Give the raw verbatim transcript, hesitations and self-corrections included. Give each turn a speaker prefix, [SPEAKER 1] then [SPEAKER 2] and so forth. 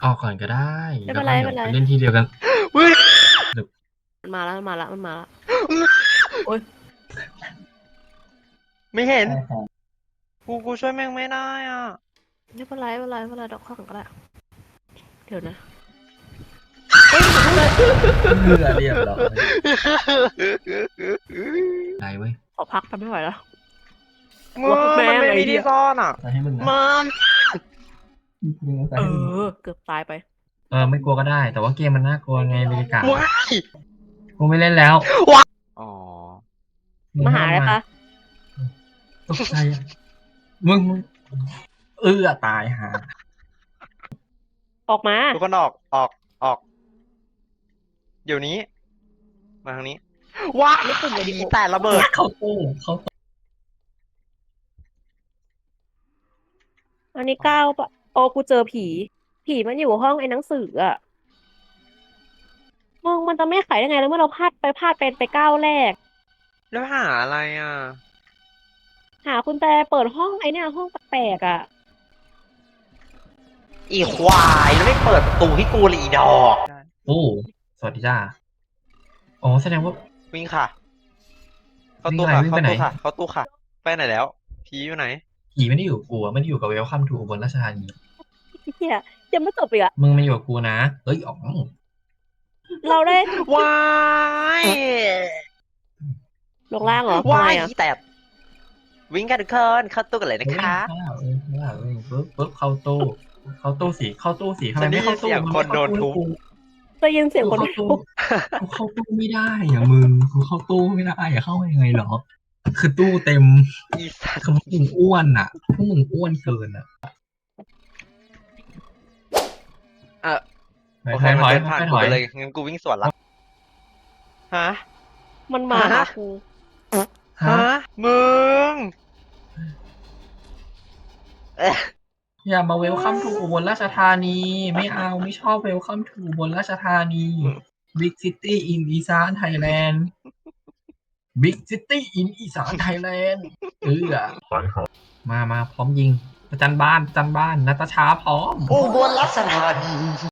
[SPEAKER 1] ออกก่อนก็ได้
[SPEAKER 2] ไม่
[SPEAKER 1] แล้
[SPEAKER 2] เป็
[SPEAKER 1] วน
[SPEAKER 2] ไร
[SPEAKER 1] ก็
[SPEAKER 2] ไม่
[SPEAKER 1] เดี๋ยว
[SPEAKER 2] เป็นไร
[SPEAKER 1] ไปเล่นที่เดียวกัน
[SPEAKER 2] มันมาแล้ว มันมาแล้ว มันมาแล้ว โอ๊ย
[SPEAKER 3] ไม่เห็น
[SPEAKER 1] ใช่ครับ
[SPEAKER 3] กู กูช่วยแม่งไม่ได้อ่ะ
[SPEAKER 2] ไม่เป็นไร ไม่เป็นไร ไม่เป็นไร ดอกข้างก็ได้ เดี๋ยวนะ
[SPEAKER 1] เพื่อเรียบร้อย ได้เว้ย
[SPEAKER 2] ขอพักทำไม่ไหวแล้ว
[SPEAKER 3] มึงมันไม่มีที่ซ่อนอ่ะ
[SPEAKER 1] ไปให้มึงนะ
[SPEAKER 3] มัน
[SPEAKER 2] เออ เกือบตายไป
[SPEAKER 1] เออ ไม่กลัวก็ได้ แต่ว่าเกมมันน่ากลัวไงบรรยากาศ
[SPEAKER 3] ว้าย
[SPEAKER 1] กูไม่เล่นแล้ว
[SPEAKER 3] อ๋อ
[SPEAKER 2] มาหาอะไรคะ
[SPEAKER 1] ตกใจอะมึงมึงเอื้อตายหา
[SPEAKER 2] ออกมา
[SPEAKER 3] ทุกคนออก ออก ออก เดี๋ยวนี้ มาทางนี้ ว้าย
[SPEAKER 2] ไม่ปุ่มเลยดิ
[SPEAKER 3] แต่ระเบิด
[SPEAKER 1] เข้าตู้เข้าตู้
[SPEAKER 2] อันนี้ก้าวปะโอ้กูเจอผี ผีมันอยู่ห้องไอ้หนังสืออะมึงมันจะไม่ขายได้ไงแล้วเมื่อเราพลาดไปพลาดเป็นไปก้าวแรก
[SPEAKER 3] แล้วหาอะไรอ่ะ
[SPEAKER 2] หาคุณแจเปิดห้องไอ้เนี่ยห้องแปลกๆอะ
[SPEAKER 3] อีควาย แล้วไม่เปิดประตูให้กูเลยอีดอก
[SPEAKER 1] ตู้สวัสดีจ้าอ๋อแสดงว่า
[SPEAKER 3] วิ่งค่ะ เข้าตู้ค่ะ
[SPEAKER 1] วิ่ง
[SPEAKER 3] เข้า
[SPEAKER 1] ไปไหน
[SPEAKER 3] ตู้ค่ะ เข้าตู้ค่ะ ไปไหนแล้ว ผีอยู่ไหน
[SPEAKER 1] ผีไม่ได้อยู่กับกูอะไม่ได้อยู่กับเวลคัมทูอุบลราชธานี
[SPEAKER 2] เฮียยังไม่จบอีกอะ
[SPEAKER 1] มึงมาอยู่กับกูนะเอ้ยอ๋อง
[SPEAKER 2] เราได้
[SPEAKER 3] ว้าย
[SPEAKER 2] ลงล่างเหรอ
[SPEAKER 3] ว้า
[SPEAKER 2] ทำไม
[SPEAKER 3] ย
[SPEAKER 2] อะ
[SPEAKER 3] อีแตบวิ่งกันทุกคนเข้าตู้กันเลยนะคะ
[SPEAKER 1] เออเออเออเออปึ๊บปึ๊บเข้าตู้เข้าตู้สีเข้าตู้สีทำไม
[SPEAKER 3] ฉันได้
[SPEAKER 1] ไม่เข้าตู้
[SPEAKER 3] ยินเสียง
[SPEAKER 1] มั
[SPEAKER 3] คน
[SPEAKER 1] ไม่เข้า
[SPEAKER 3] โดนทุบ
[SPEAKER 1] ตู้
[SPEAKER 2] ได้ยินเสียง
[SPEAKER 1] กู
[SPEAKER 2] คน
[SPEAKER 1] เข้าตู้กูเข้าตู้ไม่ได้อะมึงกูเข้าตู้ไม่ได้อะเข้ายังไงเหรอ คือตู้เต็ม
[SPEAKER 3] อีสัต
[SPEAKER 1] คือ
[SPEAKER 3] ว์
[SPEAKER 1] พวกมึงอ้วนอ่ะพวกมึงอ้วนเกินอ่ะ
[SPEAKER 3] เออ
[SPEAKER 1] ถ
[SPEAKER 3] โอ
[SPEAKER 1] อย
[SPEAKER 3] เค
[SPEAKER 1] ถ
[SPEAKER 3] มัน
[SPEAKER 1] อย
[SPEAKER 3] เดินผ่าน
[SPEAKER 1] ถ
[SPEAKER 3] กู
[SPEAKER 1] อย
[SPEAKER 3] ไปเลย งั้นกูวิ่งสวนละ ฮะ
[SPEAKER 2] มันมาหากู
[SPEAKER 3] ฮะ มึง เอ๊ะ
[SPEAKER 1] อย่ามาเวลคัมทูอุบลราชธานี ไม่เอาไม่ชอบเวลคัมทูอุบลราชธานีบิ๊กซิตี้อินอีสานไทยแลนด์บิ๊กซิตี้อินอีสานไทยแลนด์เออมามาพร้อมยิงประจันบ้านประจันบ้านนัตชาพร้อม
[SPEAKER 3] อุบลราชธานี